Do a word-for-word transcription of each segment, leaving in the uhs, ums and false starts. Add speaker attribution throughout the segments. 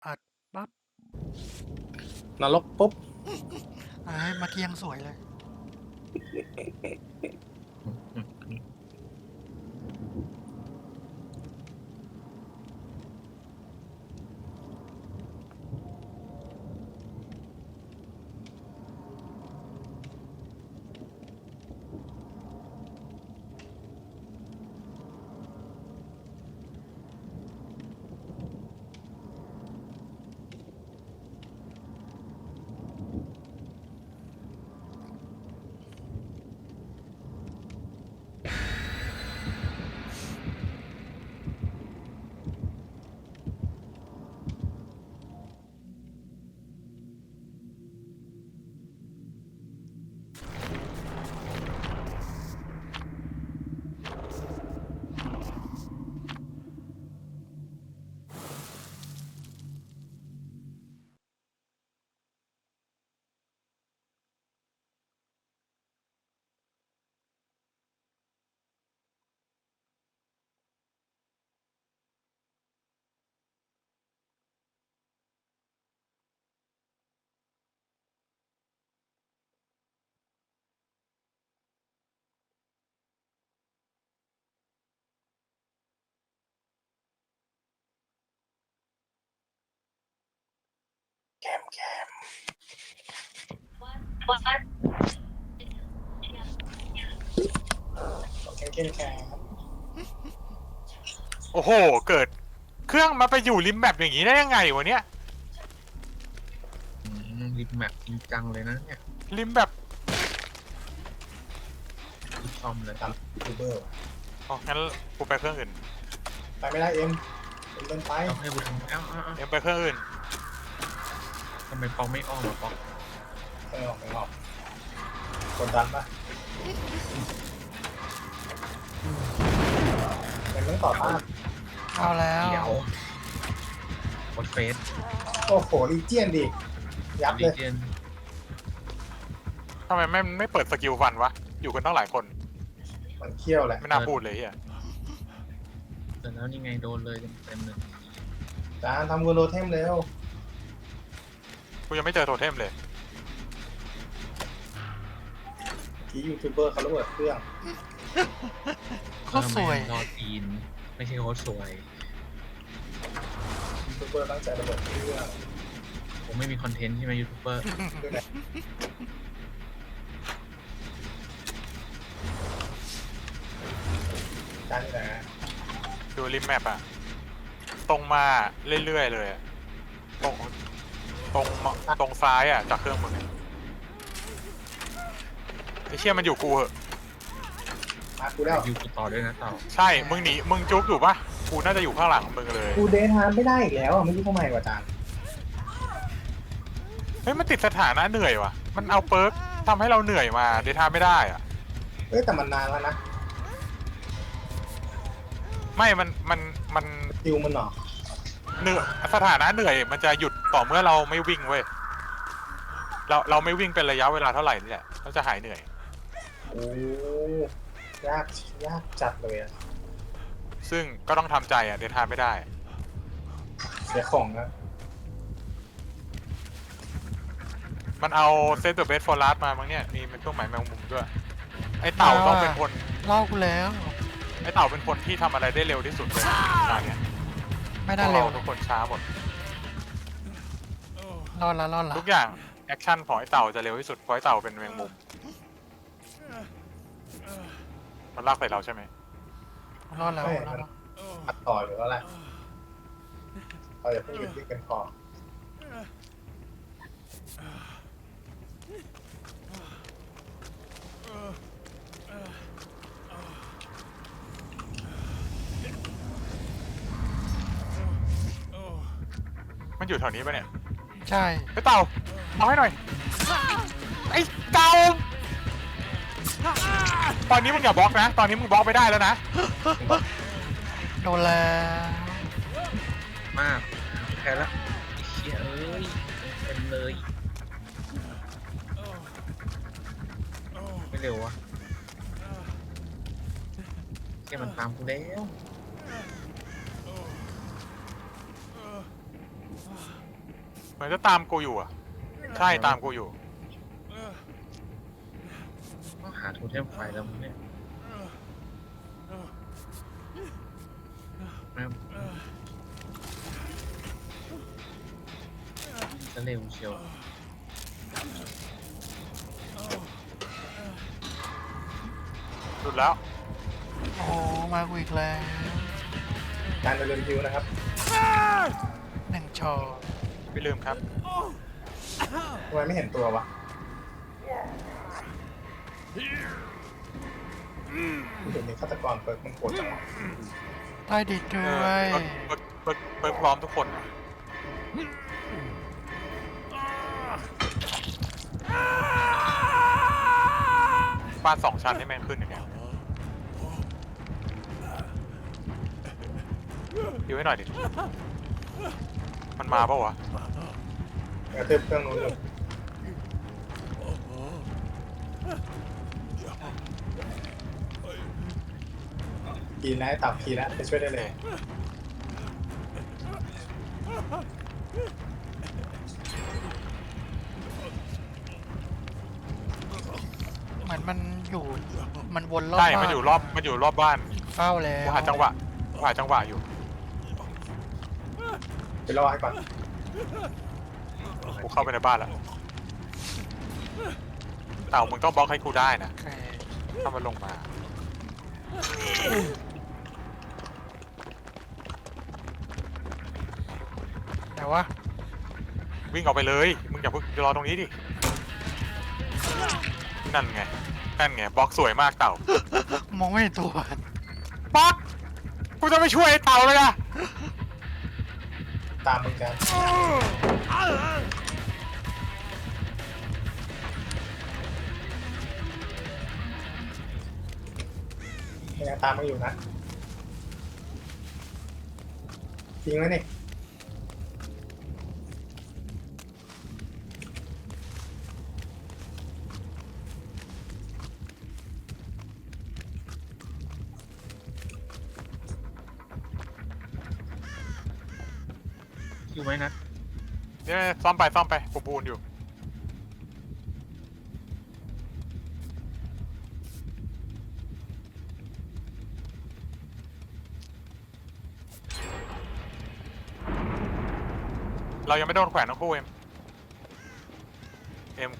Speaker 1: อัดปั๊บ
Speaker 2: นรกปุ๊บ
Speaker 1: เอ้ยเมื่อกี้ยังสวยเลย
Speaker 2: แคมแคมแคมแคมแคม
Speaker 3: โอ้โห เกิดเครื่องมาไปอยู่ริมแมปอย่างนี้ได้ยังไงวะเนี่ย
Speaker 4: ริมแมปจริงจังเลยนะเนี่ย
Speaker 3: ริมแบบ
Speaker 4: รีบซ่อมเลย
Speaker 2: ตามยูทูบเบอร์
Speaker 3: อ๋องั้นกูไปเครื่องอื่น
Speaker 2: ไปไม่ได้เอ็มเอ็มเดินไป
Speaker 4: เอาให้บุญเอ้าเอ้าเอ้า
Speaker 3: เอ็มไปเครื่องอื่น
Speaker 4: ทำไมปองไม่อ้อมอ่ะปอง
Speaker 2: ไม่ออกไม่ออกกดดันปะเอ็มต้องต่อต้าน
Speaker 1: เอาแล้ว
Speaker 4: เดี๋ยวกดเฟส
Speaker 2: โอ้โหลีเจียนดิยับ
Speaker 4: ลี
Speaker 2: เลย
Speaker 4: เจียน
Speaker 3: ทำไมไม่ไม่เปิดสกิลฟันวะ อยู่กันตั้งหลายคน
Speaker 2: มันเคี้ยวแหละ
Speaker 3: ไม่น่าพูดเลยเฮีย
Speaker 4: แต่แล้วนี่ไงโดนเลยเต็มๆเลย
Speaker 2: จานทำกูโรเทมเร็ว
Speaker 3: กูยังไม่เจอโทเทมเลย
Speaker 2: ที่ยูทูบเบอร์เขาระเบิดเครื่อง
Speaker 1: ก็สวย
Speaker 4: รอตีนไม่ใช่โคตรสวย
Speaker 2: ยูทูบเบอร์ตั้งใจระเบิดเครื่อง
Speaker 4: ผมไม่มีคอนเทนต์ใช่ไหมยูทูบเบอร์
Speaker 2: ด้วยนะจานนี่นะ
Speaker 3: ดูริมแมปอะตรงมาเรื่อยๆเลยอะตรงตรงตรงซ้ายอะจากเครื่องมึงไอ้เชี่ยมันอยู่กูเหอะ
Speaker 2: มากูแล้ว
Speaker 4: ยูกูต่อด้วยนะต่อ
Speaker 3: ใช่ มึงหนี มึงจุกอยู่ปะกูน่าจะอยู่ข้างหลังมึงเลย
Speaker 2: กูเดทฮาร์ไม่ได้อีกแล้วอ่ะไม่รู้ทำไมวะจาน
Speaker 3: เฮ้ย มันติดสถานะเหนื่อยว่ะ มันเอาเปิร์กทำให้เราเหนื่อยมาเดทาไม่ได้อะ
Speaker 2: เอ้ยแต่มันนานแล้วนะ
Speaker 3: ไม่ มัน มัน มัน
Speaker 2: ดิวมันหรอ
Speaker 3: เหนื่อยสถานะเหนื่อยมันจะหยุดต่อเมื่อเราไม่วิ่งเว้ย เราเราไม่วิ่งเป็นระยะเวลาเท่าไหร่นี่แหละเราจะหายเหนื่อย
Speaker 2: โอ้ยากยากจัดเลยอ่ะ
Speaker 3: ซึ่งก็ต้องทำใจอ่ะเดทาไม่ได้
Speaker 2: เสียของนะ
Speaker 3: มันเอาเซตตัวเบสฟอร์ลัสมามั้งเนี่ยมีเป็นเครื่องหมายแมงมุมด้วย ไอเต่าต้องเป็นคน
Speaker 1: เล่ากูแล้ว
Speaker 3: ไอเต่าเป็นคนที่ทำอะไรได้เร็วที่สุดเลยตอนเนี้ย
Speaker 1: ไม่ได้เร็ว
Speaker 3: พวกาทุกคนช้าหมด
Speaker 1: รอดละรอดละ
Speaker 3: ทุกอย่างแอคชั่นของไอเต่าจะเร็วที่สุดเพราะไอเต่าเป็นแมงมุม มันลากใส่เราใช่ไหม
Speaker 1: รอดแล้ว
Speaker 2: ไม่
Speaker 1: รอ
Speaker 2: มั
Speaker 1: ด
Speaker 2: น
Speaker 1: แล้ว
Speaker 2: อัดต่อหรือว่าอะไรเราอย่าเพิ่งหยุดวิ่งกันก่อน
Speaker 3: มันอยู่แถวนี้ปะเนี่ย
Speaker 1: ใช่
Speaker 3: ไอเต่าเอาให้หน่อย ไอเต่า ตอนนี้มึงอย่าบล็อกนะ ตอนนี้มึงบล็อกไม่ได้แล้วนะ
Speaker 1: โดนแล้ว
Speaker 4: มากแค่ละไอ้เชี่ยเอ้ยเต็มเลยไม่เร็ววะแกมันตามกูแล้ว
Speaker 3: มือนจะตามกูอยู่อ่ะ ใช่ตามกูอยู่
Speaker 4: ต้องหาโทเทมไฟแล้วมึงเนี่ยแม่งจะเร็วเชียว
Speaker 3: หลุดแล้ว
Speaker 1: โอ้มากูอีกแล้ว
Speaker 2: การเดินคิวนะครับ
Speaker 1: หนึ่งชอ
Speaker 3: ไม่ลืมครับ
Speaker 2: ทำไมไม่เห็นตัววะเดี๋ยวนี้ฆาตกรเปิดมันโกรธจังวะ
Speaker 1: ใต้ดินด้
Speaker 3: เอ
Speaker 1: ว
Speaker 3: อย เปิดเปิดเปิดพร้อมทุกคนอะบ้านสองชั้นให้แม่งขึ้นอย่างเงี้ยอยู่ให้หน่อยดิ มันมาปะวะ
Speaker 2: กระทืบเครื่องนู้นอยู่กีนแล้วตับกีแล้วไปช่วยได้เลย
Speaker 1: เหมือนมันอยู่มันวนรอบ
Speaker 3: ใช่
Speaker 1: บ้า
Speaker 3: มันอยู่รอบ มันอยู่รอบบ้าน
Speaker 1: เฝ้าแล้ว
Speaker 3: กูหาจังหวะกูหาจังหวะอยู่
Speaker 2: ไปรอให้ก่อน
Speaker 3: กูเข้าไปในบ้านแล้ว เต่ามึงต้องบล็อกให้กูได้นะ
Speaker 1: โอเค
Speaker 3: ถ้ามันลงมา
Speaker 1: แต่ว่า
Speaker 3: วิ่งออกไปเลย มึงอย่าเพิ่งรอตรงนี้ดิ นั่นไง นั่นไง บล็อกสวยมากเต่า
Speaker 1: มองไม่เห็นตัว
Speaker 3: บล็อก กูจะไปช่วยไอ้เต่าเลยอะ
Speaker 2: ตามมึงกันยังตามมึงอยู่นะจริงไหมนี่
Speaker 4: อยู่ไหมนัด
Speaker 3: เนี่ยซ่อมไปซ่อมไปกูปูนอยู่ เรายังไม่โดนแขวนทั้งคู่เอ็ม เอ็ม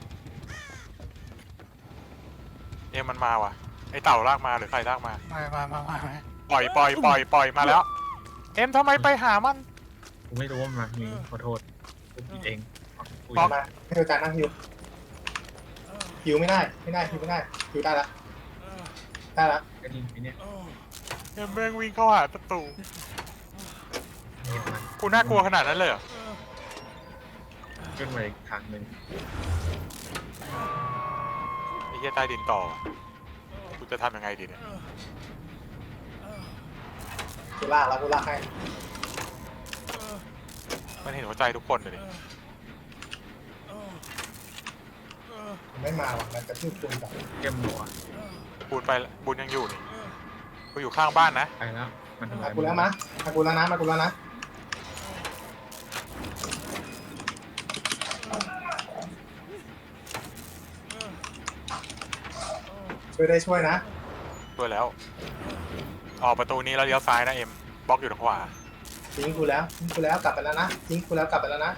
Speaker 3: เอ็มมันมาว่ะ ไอเต่าลากมาหรือใครลากมา
Speaker 1: มามามามามา
Speaker 3: ปล่อยปล่อยปล่อยปล่อยมาแล้ว เอ็มทำไมไปหามัน
Speaker 4: กูไม่รู้ว่ามันมีขอโทษกูผิดเองกู
Speaker 3: บล็อก
Speaker 2: มาให้ดูจานนั่งฮิวฮิวไม่ได้ไม่ได้ฮิวไม่ได้ฮิวได้ละได้ละ
Speaker 4: กระดิ่งไปเนี่ย
Speaker 3: เอ็มแม่งวิ่งเข้าหาประตู
Speaker 4: เนี่ยมัน
Speaker 3: กูน่ากลัวขนาดนั้นเลยเหรอ
Speaker 4: ขึ้นมาอีกทางหนึ่ง
Speaker 3: ไอ้เหี้ยใต้ดินต่อ กูจะทำยังไงดีเนี่ย
Speaker 2: กูลากแล้วกูลากให้
Speaker 3: มันเห็นหัวใจทุกคนเลยดิ
Speaker 2: ไม่มาหรอกมันกระทืบคุณกับ
Speaker 4: เก็บหัว
Speaker 3: บูนไปละบูนยังอยู่นี่ กูอยู่ข้างบ้านนะ
Speaker 4: ไปแล้วมันทำ
Speaker 2: มา
Speaker 4: ลาย
Speaker 2: กูแล้วมะมากูแล้วนะมากูแล้วนะช่วยได้ช่วยนะ
Speaker 3: ด้วยแล้ว ออกประตูนี้แล้วเลี้ยวซ้ายนะเอ็ม บล็อกอยู่ทางขวา
Speaker 2: ทิ้งกูแล้วทิ้งกูแล้วกลับไปแล้วนะทิ้งกูแล้วกลับไปแล้วนะ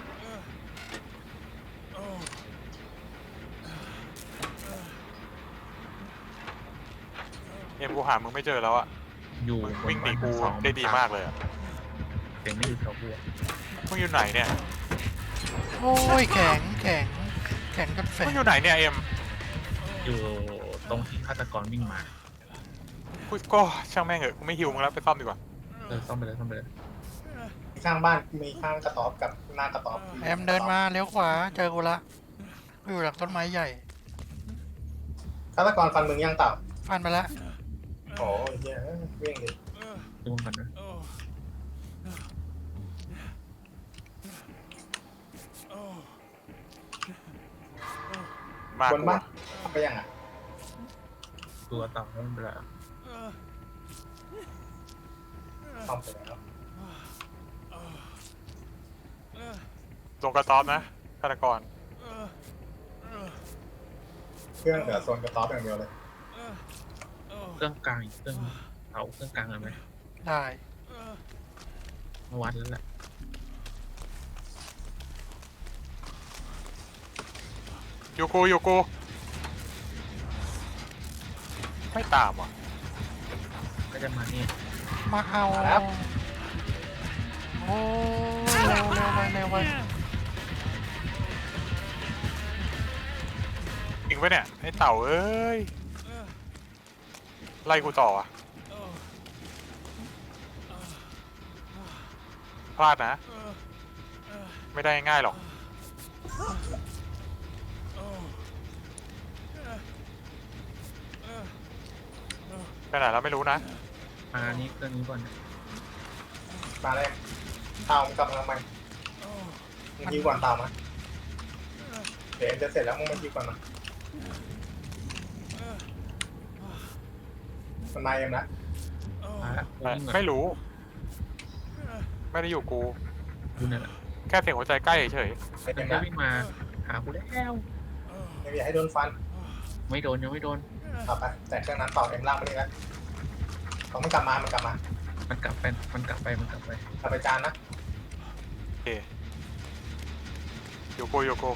Speaker 3: เอ็มกูหามึงไม่เจอแล้วอะ
Speaker 4: อยู่
Speaker 3: มึง
Speaker 4: บน
Speaker 3: วิ่งหนีกู
Speaker 4: บ้านชั้นสอง
Speaker 3: ได้ดีมากเลยอะ
Speaker 4: เสียงไม่อยู่แถวกูอะ
Speaker 3: มึงอยู่ไหนเนี่ย
Speaker 1: โอ้ยแข็งแข็งแข็งกันแฝ
Speaker 3: มึ
Speaker 1: ง
Speaker 3: งอยู่ไหนเนี่ยเอ็ม
Speaker 4: อยู่ตรงที่ฆาตกรวิ่งมา
Speaker 3: กูก็ช่างแม่งเหอะกูไม่หิวมึงแล้วไปซ่อมดีกว่า
Speaker 4: เออซ่อมไปเลยซ่อมไปเลย
Speaker 2: ข้างบ้านมีข้างกระต๊อบกับหน้ากระต๊อบ
Speaker 1: แอมเดินมาเลี้ยวขวาเจอกูละกูอยู่หลังต้นไม้ใหญ่
Speaker 2: ฆาตกรฟันมึงยังเต่า
Speaker 1: ฟันไปละ
Speaker 2: โอ้ยเหี้ยวิ่งดิ
Speaker 4: ดูมันนะ
Speaker 3: มาก
Speaker 2: บน
Speaker 3: กู
Speaker 2: บ้าน
Speaker 3: อะ
Speaker 2: ไปยังอ่ะ
Speaker 4: ตัวต่ำแล้วมันไปแล้ว
Speaker 2: ซ่อมไปแล้ว
Speaker 3: ลงกระต๊อบนะฆาตกร
Speaker 2: เครื่องเหลือโซนกระต๊อบอย่างเดียวเลย
Speaker 4: เครื่องกลางอีกเครื่องเอาเครื่องกลางกันไหม
Speaker 1: ได้
Speaker 4: มาวัดแล้วแหละ
Speaker 3: อยู่กูอยู่กูไม่ตามว่ะ
Speaker 4: ก็จะมานี่
Speaker 1: มาเอาโอ้ยเร็วเร็วไปเร็วไป
Speaker 3: จริงปะเนี่ยไอ้เต่าเอ้ยไล่กูต่ออ่ะพลาดนะ ไม่ได้ง่ายหรอกไปไหนแล้วไม่รู้นะ
Speaker 4: มานี่เครื่องนี้ก่อนนะ
Speaker 2: มาเลยเตามันกลับมาทำไมมึงยิงก่อนเตามาเดี๋ยวเอ็มจะเสร็จแล้วมึงมายิงก่อนมามันมาเอ็มนะ
Speaker 4: มาละกูวิ่งก่อน
Speaker 3: ไม่รู้ ไม่ได้อยู่กู
Speaker 4: ดูนั่นแหละ
Speaker 3: แค่เสียงหัวใจใกล้เฉย
Speaker 2: เอ็
Speaker 4: มัน
Speaker 2: ม
Speaker 4: จะ
Speaker 2: นะ
Speaker 4: วิ่งมาหากูแล้ว
Speaker 2: เอ็มอย่าให้โดนฟัน
Speaker 4: ไม่โดนยังไม่โดน
Speaker 2: เอาไปแต่เครื่องนั้นต่อเอ็มล่างไปนี่แล้วเขาไม่กลับมามันกลับมา
Speaker 4: มันกลับไปมันกลับไปมันกลับไป
Speaker 2: กลับไปจานนะ
Speaker 3: ๆโอเคอยู่กูอยู่กู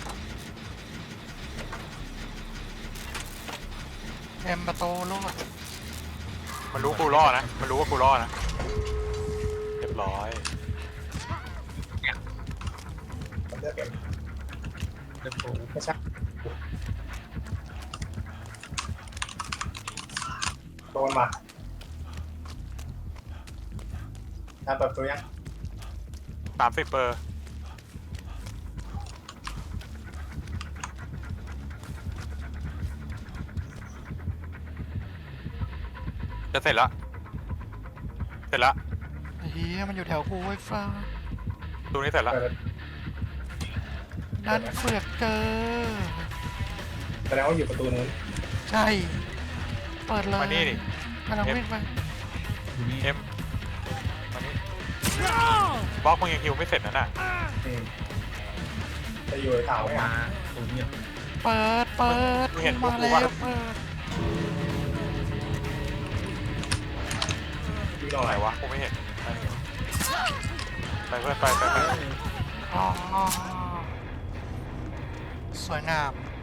Speaker 1: เอ็มประตูลูก
Speaker 3: มันรู้กูรอดนะ มันรู้ว่ากูรอดนะ เรียบร้อย
Speaker 2: ผมเลือกเอ็ม
Speaker 4: เดี๋ยวกู
Speaker 2: ไม่ใช่โดนมาทำเปิดประตูยัง
Speaker 3: สามสิบเปอร์จะเสร็จแล้ว เสร็จแล้ว
Speaker 1: เฮียมันอยู่แถวกูไว้ฟ้า
Speaker 3: ตรงนี้เสร็จแล้ว
Speaker 2: เปิด
Speaker 1: นั่นเฟือกเจอ
Speaker 2: แสดงว่าอยู่ประตูนู้น
Speaker 1: ใช่ เปิดเลย
Speaker 3: มานี่ดิ
Speaker 1: กำลังวิ่งไป
Speaker 4: อยู่นี่
Speaker 3: เอ็มมานี่บล็อกมึงยังฮิวไม่เสร็จนะน่ะ
Speaker 2: อืมจะอยู่ในเสา
Speaker 4: เอา
Speaker 2: ไหม
Speaker 4: มา
Speaker 2: อ่ะ
Speaker 4: ตรงเนี้ย
Speaker 1: เปิดเปิด
Speaker 3: มึงเห็นพวก
Speaker 1: มา
Speaker 3: กู
Speaker 1: แล้ว
Speaker 3: ปะ
Speaker 1: เปิด
Speaker 2: อยู่ตรงไห
Speaker 3: ไห
Speaker 2: น
Speaker 3: น
Speaker 2: วะ
Speaker 3: วะกูไม่เห็นไปเพื่อนไปไปไป
Speaker 1: อ๋อสวยงาม